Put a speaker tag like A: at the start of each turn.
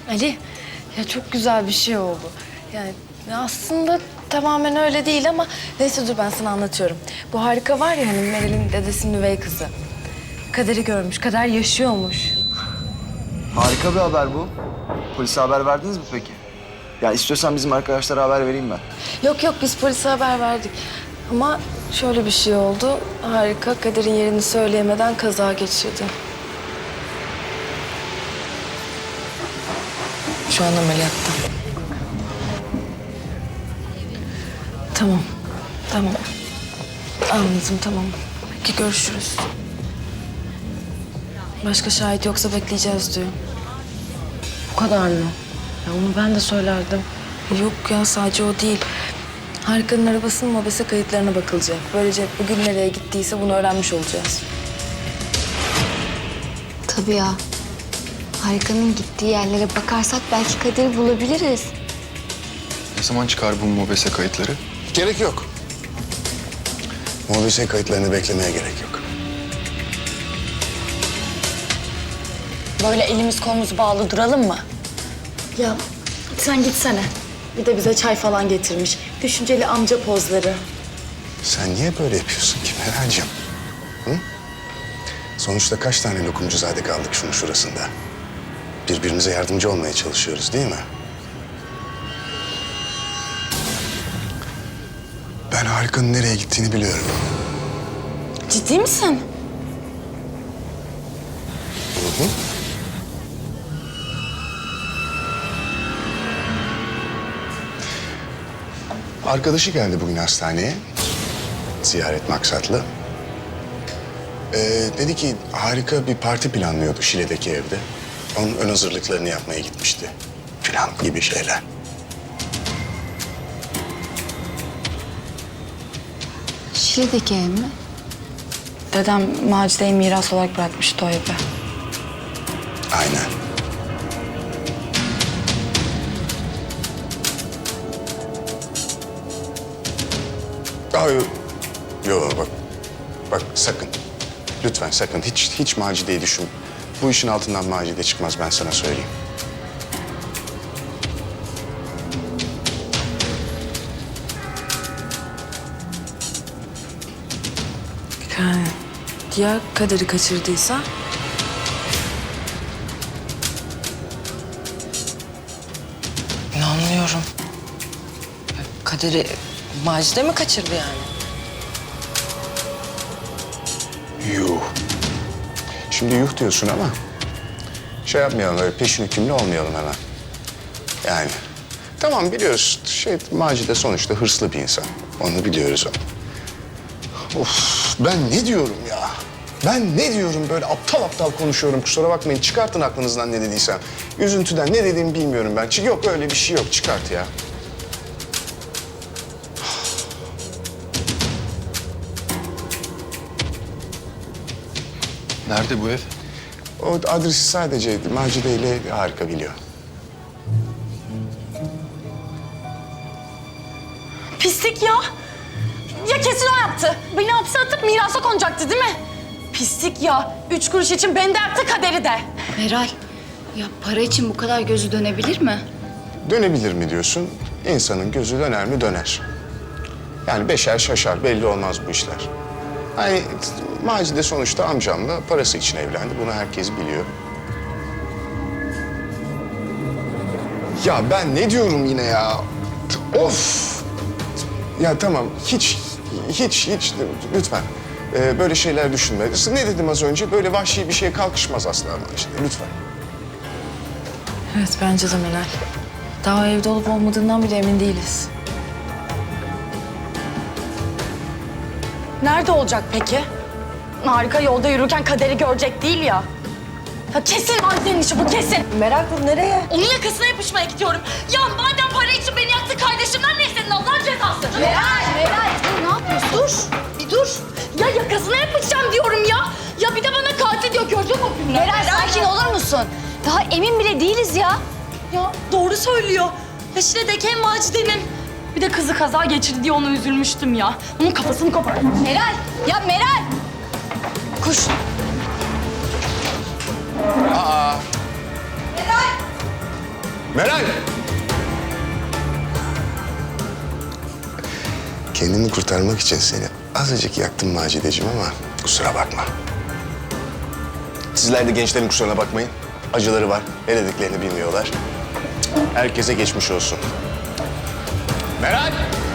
A: Ali, ya çok güzel bir şey oldu. Yani aslında tamamen öyle değil ama neyse dur ben sana anlatıyorum. Bu Harika var ya hani Meral'in dedesinin üvey kızı. Kader'i görmüş, Kader yaşıyormuş.
B: Harika bir haber bu. Polise haber verdiniz mi peki? Ya istiyorsan bizim arkadaşlara haber vereyim ben.
A: Yok biz polise haber verdik. Ama şöyle bir şey oldu. Harika Kader'in yerini söyleyemeden kaza geçirdi. Şu an ameliyatta. Tamam. Anladım, tamam. Peki görüşürüz. Başka şahit yoksa bekleyeceğiz diyor. Bu kadar mı? Ya onu ben de söylerdim. Yok ya sadece o değil. Harika'nın arabasının mobese kayıtlarına bakılacak. Böylece bugün nereye gittiyse bunu öğrenmiş olacağız.
C: Tabii ya. Harika'nın gittiği yerlere bakarsak belki Kader'i bulabiliriz.
D: Ne zaman çıkar bu mobese kayıtları?
E: Gerek yok. Mobese kayıtlarını beklemeye gerek yok.
A: Böyle elimiz kolumuz bağlı duralım mı?
F: Ya sen gitsene. Bir de bize çay falan getirmiş. Düşünceli amca pozları.
E: Sen niye böyle yapıyorsun ki Meral'cığım? Hı? Sonuçta kaç tane lokumcuzade kaldık şunun şurasında. Birbirimize yardımcı olmaya çalışıyoruz değil mi? Ben Harika'nın nereye gittiğini biliyorum.
F: Ciddi misin?
E: Hı hı. Arkadaşı geldi bugün hastaneye. Ziyaret maksatlı. Dedi ki Harika bir parti planlıyordu Şile'deki evde. Onun ön hazırlıklarını yapmaya gitmişti. Plan gibi şeyler.
C: Şile'deki ev mi?
F: Dedem Macide'yi miras olarak bırakmıştı o evi.
E: Aynen. Yok bak. Bak sakın. Lütfen sakın. Hiç Macide'yi düşün. Bu işin altından Macide çıkmaz ben sana söyleyeyim.
A: Yani ya Kader'i kaçırdıysa? İnanmıyorum. Kader'i Macide mi kaçırdı yani?
E: Yuh. Şimdi yuh diyorsun ama şey yapmayalım öyle peşin hükümlü olmayalım hemen. Yani tamam biliyoruz Macide sonuçta hırslı bir insan. Onu biliyoruz o. Of ben ne diyorum ya? Ben ne diyorum böyle aptal aptal konuşuyorum kusura bakmayın. Çıkartın aklınızdan ne dediysem. Üzüntüden ne dediğimi bilmiyorum ben. Yok öyle bir şey yok çıkart ya.
D: Nerede bu ev?
E: O adresi sadece Macide ile Harika biliyor.
F: Pislik ya. Ya kesin o yaptı. Beni hapse atıp mirasa konacaktı değil mi? Pislik ya. 3 kuruş için beni de yaktı Kader'i de.
C: Meral, ya para için bu kadar gözü dönebilir mi?
E: Dönebilir mi diyorsun? İnsanın gözü döner mi döner. Yani beşer şaşar belli olmaz bu işler. Hani Macide sonuçta amcamla parası için evlendi. Bunu herkes biliyor. Ya ben ne diyorum yine ya? Of! Ya tamam hiç lütfen böyle şeyler düşünme. Ne dedim az önce? Böyle vahşi bir şeye kalkışmaz asla Macide lütfen.
A: Evet bence de Meral. Daha evde olup olmadığından bile emin değiliz.
F: Nerede olacak peki? Harika yolda yürürken Kader'i görecek değil ya. Ya kesin Macide'nin işi bu kesin.
A: Meral bu nereye?
F: Onun yakasına yapışmaya gidiyorum. Ya madem para için beni yaktı kardeşimden ne istedin Allah'ın cezası?
C: Meral, dur ne yapıyorsun?
F: Dur, bir dur. Ya yakasına yapışacağım diyorum ya. Ya bir de bana katil diyor, gördün mü o filmleri?
C: Meral sakin olur musun? Daha emin bile değiliz ya.
F: Ya doğru söylüyor. Ya Şile'deki ev Macide'nin. Bir de kızı kaza geçirdi diye ona üzülmüştüm ya. Onun kafasını kopardım.
C: Meral, ya Meral!
F: Kuş.
E: Meral! Kendimi kurtarmak için seni azıcık yaktım Macideciğim ama kusura bakma. Sizler de gençlerin kusuruna bakmayın. Acıları var, ne dediklerini bilmiyorlar. Herkese geçmiş olsun. Meral!